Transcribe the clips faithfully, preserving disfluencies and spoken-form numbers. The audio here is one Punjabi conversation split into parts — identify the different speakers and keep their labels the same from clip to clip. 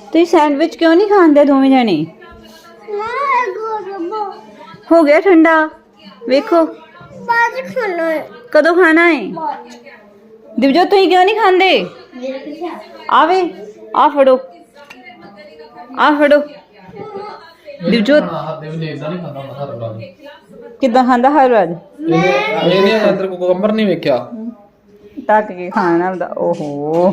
Speaker 1: ਤੁਸੀਂ ਸੈਂਡਵਿਚ ਕਿਉਂ ਨਹੀਂ ਖਾਂਦੇ ਦੋਵੇਂ ਜਣੇ? ਹੋ ਗਿਆ ਠੰਡਾ। ਵੇਖੋ ਕਦੋਂ ਖਾਣਾ ਹੈ? ਦਿਵਜੋਤ ਤੁਸੀਂ ਕਿਉਂ ਨਹੀਂ ਖਾਂਦੇ? ਆਵੇ ਆ ਫੜੋ, ਆ ਫੜੋ। ਦਿਵਜੋਤ ਕਿੱਦਾਂ ਖਾਂਦਾ ਹਰ ਵਾਰ?
Speaker 2: ਇਹਨੇ ਅੰਦਰ ਕੁਕੰਬਰ ਨਹੀਂ ਵੇਖਿਆ,
Speaker 1: ਟੱਕ ਕੇ ਖਾਣਾ ਹੁੰਦਾ। ਓਹੋ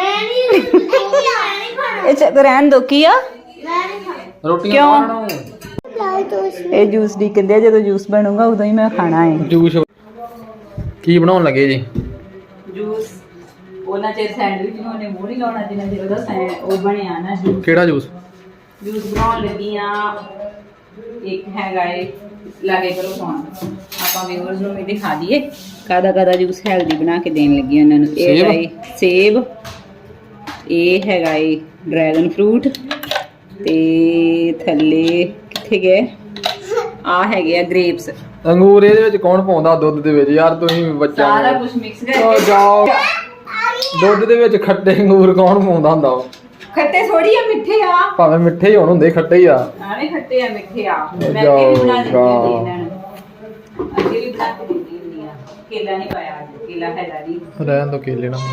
Speaker 1: ਇਹ ਚੱਕ ਰਹਿਣ ਦੋ। ਕੀ ਆ
Speaker 2: ਰੋਟੀਆਂ ਖਾਣਾ।
Speaker 1: ਇਹ ਜੂਸ ਦੀ ਕਹਿੰਦੇ ਜਦੋਂ ਜੂਸ ਬਣੂਗਾ ਉਦੋਂ ਹੀ ਮੈਂ ਖਾਣਾ ਹੈ।
Speaker 2: ਜੂਸ ਕੀ ਬਣਾਉਣ ਲੱਗੇ ਜੀ?
Speaker 1: ਜੂਸ ਉਹਨਾਂ ਚਿਰ ਸੈਂਡਵਿਚ ਨੂੰ ਉਹਨੇ ਮੂੰਹ ਨਹੀਂ ਲਾਉਣਾ ਜਿੰਨਾ ਚਿਰ ਉਹਦਾ ਸੈਂ ਉਹ ਬਣਿਆ ਨਾ ਜੂਸ।
Speaker 2: ਕਿਹੜਾ ਜੂਸ?
Speaker 1: ਜੂਸ ਬਣਾਉਣ ਲੱਗੀ ਆ। ਇੱਕ ਹੈਗਾ ਏ ਲਾਗੇ ਕਰੋ ਫੋਨ, ਆਪਾਂ ਵਿਊਅਰਸ ਨੂੰ ਵੀ ਦਿਖਾ ਦਈਏ ਕਾਦਾ ਕਾਦਾ ਜੂਸ ਹੈਲਦੀ ਬਣਾ ਕੇ ਦੇਣ ਲੱਗੀ ਉਹਨਾਂ ਨੂੰ। ਇਹ ਹੈਗਾ ਏ ਸੇਬ, ਇਹ ਹੈਗਾ ਏ ਡਰੈਗਨ ਫਰੂਟ, ਤੇ ਥੱਲੇ ਕਿੱਥੇ ਗਏ ਆ ਹੈਗੇ ਆ ਗ੍ਰੇਪਸ।
Speaker 2: ਅੰਗੂਰ ਇਹਦੇ ਵਿੱਚ ਕੌਣ ਪਾਉਂਦਾ ਦੁੱਧ ਦੇ ਵਿੱਚ ਯਾਰ? ਤੁਸੀਂ ਬੱਚਾ
Speaker 1: ਸਾਰਾ ਕੁਝ ਮਿਕਸ ਕਰਕੇ
Speaker 2: ਜਾਓ। ਦੁੱਧ ਦੇ ਵਿੱਚ ਖੱਟੇ ਅੰਗੂਰ ਕੌਣ ਪਾਉਂਦਾ ਹੁੰਦਾ? ਉਹ
Speaker 1: ਖੱਟੇ ਥੋੜੀ ਆ, ਮਿੱਠੇ ਆ।
Speaker 2: ਭਾਵੇਂ ਮਿੱਠੇ ਹੀ ਹੋਣ, ਹੁੰਦੇ ਖੱਟੇ ਹੀ ਆ।
Speaker 1: ਆਵੇਂ ਖੱਟੇ ਆ ਮਿੱਠੇ ਆ। ਮੈਂ ਅੱਗੇ ਵੀ ਬਣਾ ਦਿੰਦੀ ਹੁੰਦੀ ਇਹਨਾਂ ਨੂੰ, ਅੱਗੇ ਵੀ ਬਣਾ ਕੇ ਦਿੰਦੀ ਹੁੰਦੀ ਆ। ਕੇਲਾ ਨਹੀਂ ਪਾਇਆ ਅੱਜ, ਕੇਲਾ ਹੈਗਾ ਨਹੀਂ।
Speaker 2: ਰਹਿਣ ਦੋ ਕੇਲੇ ਨਾ।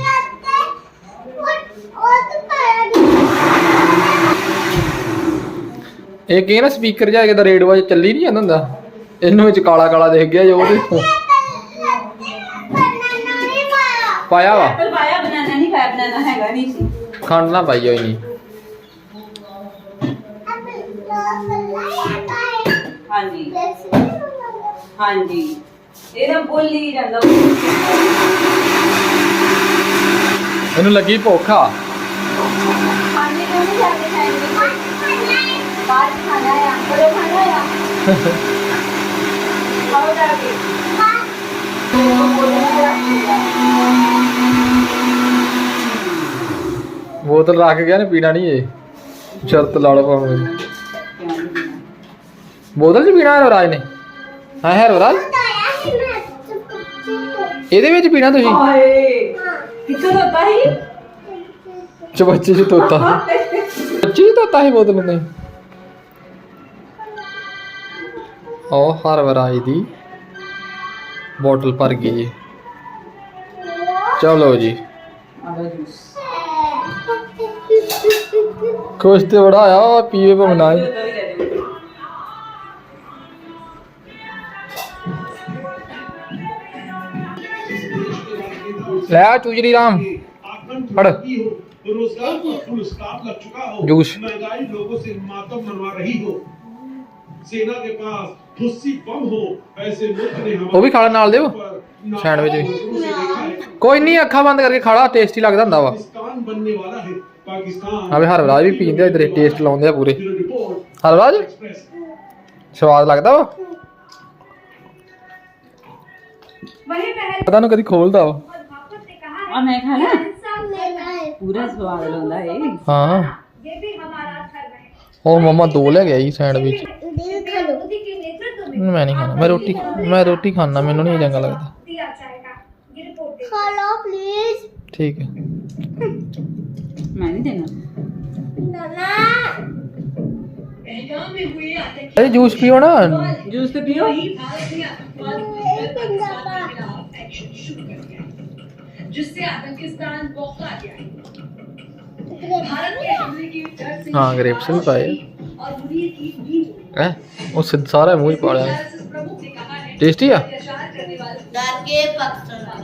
Speaker 2: ਇਹ ਕੀ ਨਾ ਸਪੀਕਰ ਜਿਹਾ ਕਿਦਾ ਰੇਡੀਓ 'ਚ ਚੱਲੀ ਨਹੀਂ ਜਾਂਦਾ ਹੁੰਦਾ, ਇਹਨੂੰ ਵਿੱਚ ਕਾਲਾ ਕਾਲਾ ਦਿਖ ਗਿਆ ਜੋ ਉਹਦੇ ਪਾਇਆ ਵਾ।
Speaker 1: ਐਪਲ ਪਾਇਆ, ਬਨਾਨਾ ਨਹੀਂ ਪਾਇਆ। ਬਨਾਨਾ ਹੈਗਾ ਨਹੀਂ ਸੀ।
Speaker 2: ਖੰਡ ਨਾ ਪਾਈ ਹੋਈ ਨਹੀਂ।
Speaker 1: ਹਾਂਜੀ ਹਾਂਜੀ ਇਹਦਾ ਬੋਲੀ ਜਾਂਦਾ।
Speaker 2: ਇਹਨੂੰ ਲੱਗੀ ਭੁੱਖ ਆ।
Speaker 1: ਖਾਣੇ ਨੂੰ ਨਹੀਂ ਜਾਂਦੇ ਸੈਂਡਵਿਚ, ਬਾਹਰ ਖਾਣਾ ਆ, ਕੋਲੇ ਖਾਣਾ ਆ। ਖਾਓ ਜਾ ਕੇ।
Speaker 2: ਬੋਤਲ ਰੱਖ ਗਿਆ ਨੇ, ਪੀਣਾ ਨਹੀਂ ਇਹ। ਸ਼ਰਤ ਲਾ ਲਓ ਭਾਵੇਂ। ਬੋਤਲ 'ਚ ਪੀਣਾ ਹੈ ਰਾਜ ਨੇ? ਹਾਂ ਹੈ ਰਾਜ, ਇਹਦੇ ਵਿੱਚ ਪੀਣਾ ਤੁਸੀਂ?
Speaker 1: ਹਾਏ ਕਿੱਥੋਂ ਹੁੰਦਾ ਸੀ?
Speaker 2: ਚਬੱਚੇ 'ਚ ਤੋਤਾ, ਬੱਚੀ 'ਚ ਤੋਤਾ ਸੀ ਬੋਤਲ ਨਹੀਂ। ਉਹ ਹਰ ਵਰਾਈ ਦੀ ਬੋਤਲ ਭਰ ਗਈ ਜੀ। ਚਲੋ ਜੀ, ਕੁਛ ਤੇ ਬੜਾ ਆਇਆ ਪੀਵੇ ਭਾਵੇਂ ਨਾ ਹੀ। ਲੈ ਚੂਜਰੀ ਰਾਮ फड़
Speaker 3: रोजगार पर फुल स्टॉप लग चुका हो,
Speaker 2: जूस
Speaker 3: महंगाई लोगों से मातम मनवा रही हो, सेना के पास ठुस्सी बम हो, ऐसे मुल्क ने
Speaker 2: वो भी खाना नाल देओ सैंडविच भी कोई नहीं, अखा बंद करके खाला, टेस्टी लगदा हुंदा वा।
Speaker 3: पाकिस्तान बनने वाला है। पाकिस्तान
Speaker 2: अबे हरराज भी पींदे इधर टेस्ट लाउंदे पूरे। हरराज स्वाद लगदा वा, पता नहीं कदी खोलदा वा।
Speaker 1: और मैं खाना पूरा स्वाद लाਉਂਦਾ ਏ।
Speaker 2: हाँ और मम्मा दो ले गया सैंडविच। मैं नहीं खाना, मैं रोटी मैं रोटी खाना, मैनू नहीं चंगा लगता।
Speaker 4: खा लो प्लीज।
Speaker 2: ठीक है,
Speaker 1: मैं नहीं देना।
Speaker 2: अरे जूस पियो ना।
Speaker 1: जूस तो पियो।
Speaker 5: जिससे आतंकिस्तान बौखला गया है। भारत के हमले की डर से
Speaker 2: हाँ ग्रेप्स भी पाए
Speaker 5: और मुनीर की भी
Speaker 2: है, वो सिद्ध सारा मुंह ही पा रहा है।
Speaker 5: प्रमुख ने कहा है
Speaker 2: टेस्टी है।
Speaker 5: अत्याचार करने वाले
Speaker 4: डर के पाकिस्तान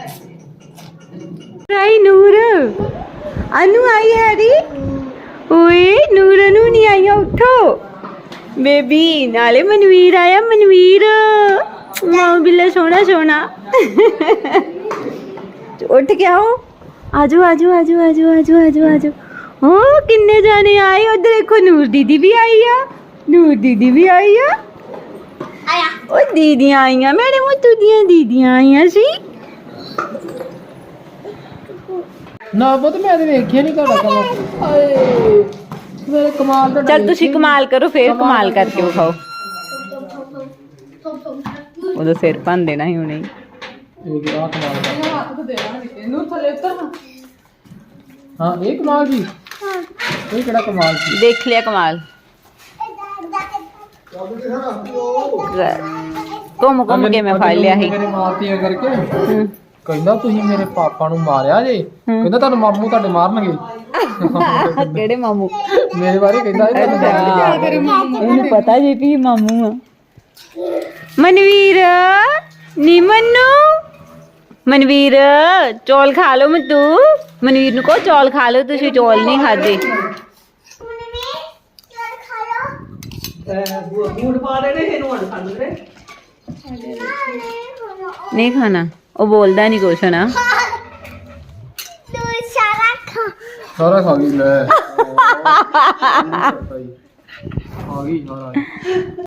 Speaker 1: आई नूर अनु आई हैरी। ओए नूर अनु नहीं आई, उठो बेबी। नाले मनवीर आया, मनवीर मां बिल्ला सोना सोना। उठ के आओ, आजो आजो आजो आजो आजो आजो आजो। ओ किन्ने जाने आए उधर, देखो नूर दीदी भी आई है, नूर दीदी भी आई है।
Speaker 4: आया
Speaker 1: ओ दीदियां आई हैं, मेरे मुत्तू दियां दीदियां आई हैं सी।
Speaker 2: ना पुत मैं तो वेखिया नहीं ਤੁਹਾਡਾ कमाल। हाय मेरे कमाल ਦਾ।
Speaker 1: चल तुसी कमाल करो, फिर कमाल करके विखाओ। ਉਹਦਾ ਸਿਰ ਭੰਨ ਦੇਣਾ ਹੀ ਹੁਣੇ।
Speaker 2: ਇਹ ਕੀ ਆ ਕਮਾਲ ਦਾ? ਹੱਥ ਤੇ ਦੇਣਾ ਇਹਨੂੰ ਥੱਲੇ ਉਤਰ। ਹਾਂ ਇਹ ਕਮਾਲ ਦੀ। ਇਹ ਕਿਹੜਾ ਕਮਾਲ ਸੀ।
Speaker 1: ਦੇਖ ਲਿਆ ਕਮਾਲ। ਘੁੰਮ ਘੁੰਮ ਕੇ ਮੈਂ ਫੜ ਲਿਆ ਸੀ।
Speaker 2: ਮੇਰੇ ਮਾਰਤੀਆਂ ਕਰਕੇ
Speaker 1: ਹੂੰ।
Speaker 2: ਕਹਿੰਦਾ ਤੁਸੀਂ ਮੇਰੇ ਪਾਪਾ ਨੂੰ ਮਾਰਿਆ ਜੇ। ਕਹਿੰਦਾ ਤੁਹਾਨੂੰ ਮਾਮੂ ਤੁਹਾਡੇ ਮਾਰਨਗੇ।
Speaker 1: ਕਿਹੜੇ ਮਾਮੂ?
Speaker 2: ਮੇਰੇ ਬਾਰੇ ਕਹਿੰਦਾ ਇਹ ਤੁਹਾਨੂੰ ਮਾਰਨਗੇ।
Speaker 1: ਉਹਨੂੰ ਪਤਾ ਜੀ ਵੀ ਮਾਮੂ ਆ। ਮਨਵੀਰ ਨੀ ਮੰਨੂ, ਮਨਵੀਰ ਚੌਲ ਖਾ ਲਓ। ਮੈਂ ਤੂੰ ਮਨਵੀਰ ਨੂੰ ਕਹੋ ਚੌਲ ਖਾ ਲਓ, ਤੁਸੀਂ ਚੌਲ ਨਹੀਂ ਖਾਦੇ। ਨਹੀਂ ਖਾਣਾ, ਉਹ ਬੋਲਦਾ ਨਹੀਂ ਕੁਛ ਨਾ।
Speaker 2: ਸਾਰਾ ਖਾ ਗਈ ਲੈ। ਆ ਗਈ ਸਾਰਾ।